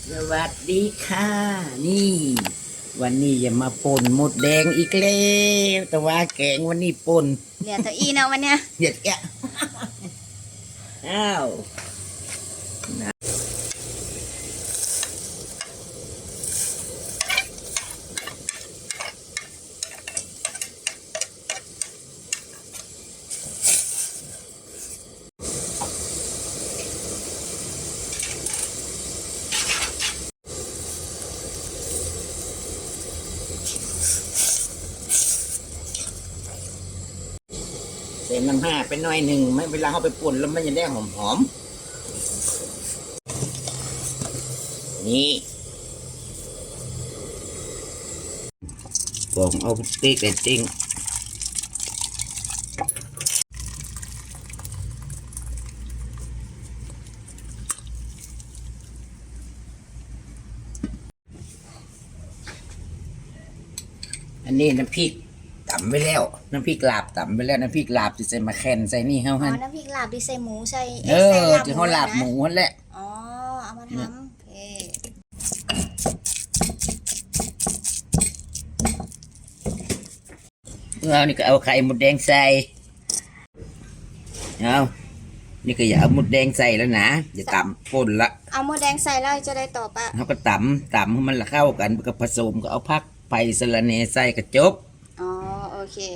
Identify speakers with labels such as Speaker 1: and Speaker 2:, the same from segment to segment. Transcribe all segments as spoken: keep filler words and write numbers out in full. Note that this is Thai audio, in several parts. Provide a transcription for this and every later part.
Speaker 1: สวัสดีค่ะ นี่ วันนี้อย่ามาป่นหมดแดงอีกแล้วแต่ว่าแกงวันนี้ป่น
Speaker 2: เหลือตัวอีนะวันเนี้ย
Speaker 1: เด็ดแกะอ้าวใส่น้ำห้าไปหน่อยหนึ่งไม่เวลาเขาไปป่นแล้วมันจะได้หอมหอมนี่กองเอาติ๊กแต่ติ้งอันนี้น้ำพริกตำไปแล้วน้ำพริกลาบตำไปแล้วน้ำพริกลาบที่ใส่มาแคนใส่นี่เฮา
Speaker 2: อ๋
Speaker 1: หั
Speaker 2: อน น้ำพริกลาบดิใส่หมูใส่
Speaker 1: เออ
Speaker 2: ใส่
Speaker 1: ที่เขาลาบหมูนั่นแหละ
Speaker 2: อ๋อเอามาทำโอเค
Speaker 1: เอานี่ก็เอาไข่มดแดงใส่เอานี่ก็อย่าเอามดแดงใส่แล้วนะอย่าตำป่นละ
Speaker 2: เอาหมูแดงใส่แล้วจะได้ต่อปะ
Speaker 1: เขาก็ตำตำให้มันละเข้ากันก็ผสมก็เอาพักไผ่สะระเนใส่กระจบ
Speaker 2: อ๋อโอเค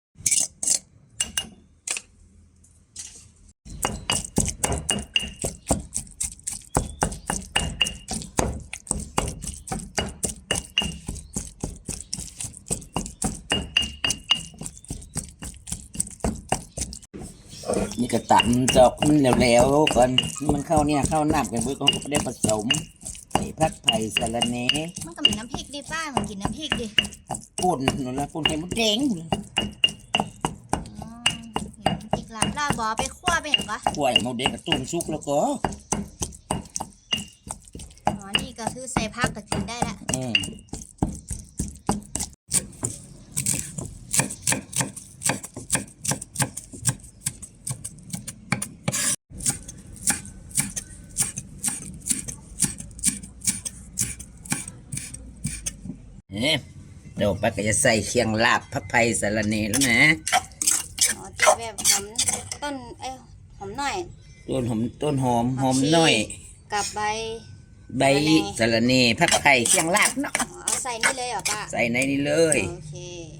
Speaker 1: นี่ก็ตำจอกมันแล้วๆก่อนมันเข้าเนี่ยเข้าน้ำกันเพื่อก็ได้ผสมใส่พักไผ่สะระเน
Speaker 2: มันก็มีน้ำพริกดิป้ามันกินน้ำพริกดิ
Speaker 1: ป่นนั่นละป่นไข่มดแดง
Speaker 2: อ๋อน้ำพริกลาบลาบบอไปคั่วไปเห็นปะ
Speaker 1: กล้วยมดแดงกับตุ่มซุกแล้วก็
Speaker 2: อ๋อนี่ก็คือใส่ผักก็กินได้ละ
Speaker 1: อืมเนี่ยเดี๋ยวป้าก็จะใส่เคียงลาบพักไผ่สะระเนแล้วนะ
Speaker 2: อ๋อที่แบบหอมต้นเอ้ยหอมหน่อย
Speaker 1: ต้นหอมต้นหอมหอมน้อย
Speaker 2: กับใบ
Speaker 1: ใบสะระเนพักไผ่เคียงลาบเนาะ
Speaker 2: เอาใส่นี่เลยเหรอป้า
Speaker 1: ใส่ในนี้เลย
Speaker 2: โอเค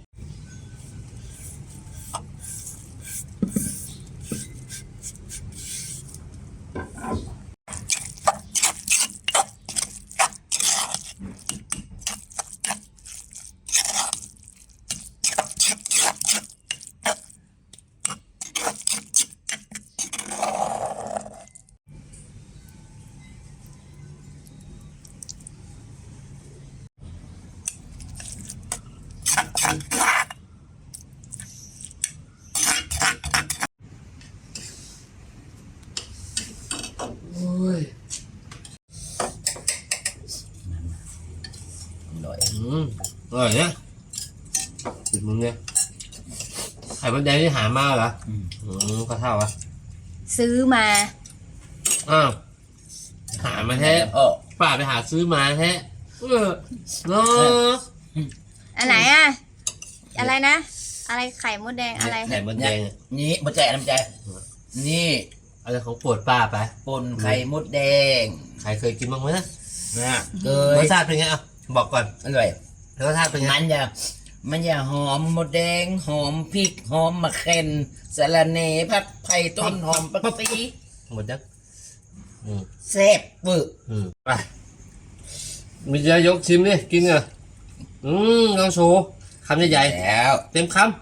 Speaker 1: อร่อย
Speaker 3: อืมอร่อยเนี่ยติดมึงเนี่ยไข่มดแดงที่หามาเหรออืมก็เท่าวะ
Speaker 2: ซื้อมา
Speaker 3: อ้าวหามาแท้
Speaker 1: อ๋อ
Speaker 3: ป้าไปหาซื้อมาแท้เออเนาะ
Speaker 2: อันไหนอะอะไรนะอะไรไข่มดแดงอะไร
Speaker 3: ไข่มดแดง
Speaker 1: นี่มดแจน้ำใจนี่
Speaker 3: อะไรของโปรดป้าไป
Speaker 1: ป่นไข่มดแดง
Speaker 3: ใครเคยกินบ้างไหมนะ
Speaker 1: นะเคย
Speaker 3: รสชาติเป็นไงอ่ะบอกก่อน
Speaker 1: อร่อย
Speaker 3: รสชาติเป็นไง
Speaker 1: มันจะมันจะหอมมดแดงหอมพริกหอมมะเขือสะระเนผักไผ่ต้นหอมปักซี
Speaker 3: หมดยัง
Speaker 1: แซ่บปึก
Speaker 3: ไปมีจะยกชิมดิกินเหรออืมลองโชว์คำใหญ่ๆ
Speaker 1: แล้ว
Speaker 3: เต็มคำ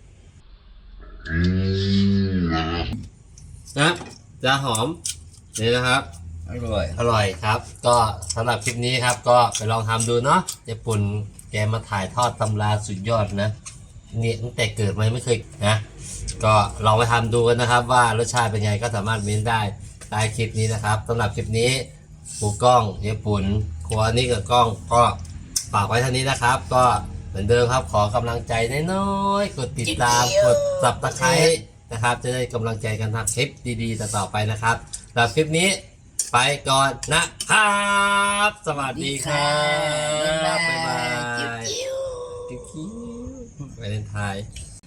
Speaker 3: นะจะหอมนี่นะครับ
Speaker 1: อร่อย
Speaker 3: อร่อยครับก็สำหรับคลิปนี้ครับก็ไปลองทำดูเนาะญี่ปุ่นแกมาถ่ายทอดตำราสุดยอดนะเนี่ยตั้งแต่เกิดมาไม่เคยนะก็ลองไปทำดูกันนะครับว่ารสชาติเป็นไงก็สามารถเม้นได้ใต้คลิปนี้นะครับสำหรับคลิปนี้ปูกล้องญี่ปุ่นครัวนี้กับกล้องก็ฝากไว้เท่านี้นะครับก็เหมือนเดิมครับขอกำลังใจน้อยๆกดติดตามกดซับสไครบ์นะครับจะได้กำลังใจกันทำคลิปดีๆต่อไปนะครับสำหรับคลิปนี้ไปก่อนนะครับ สวัสดีครับ
Speaker 1: บ๊ายบาย
Speaker 3: บ๊ายบาย
Speaker 1: จิ้ว
Speaker 3: จิ๊กจิ๊วไปเล่นไทย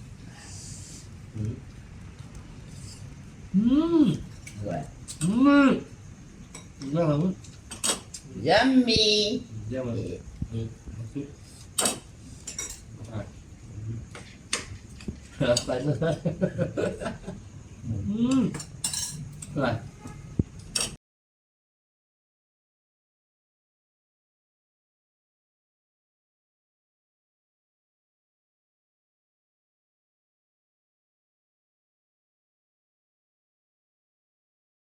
Speaker 3: อืม
Speaker 1: ๆด้วย
Speaker 3: อืมเรื่องอะไร
Speaker 1: ยัมมี่
Speaker 3: เรื่องอะไรอืมไปเลยอืมอะไร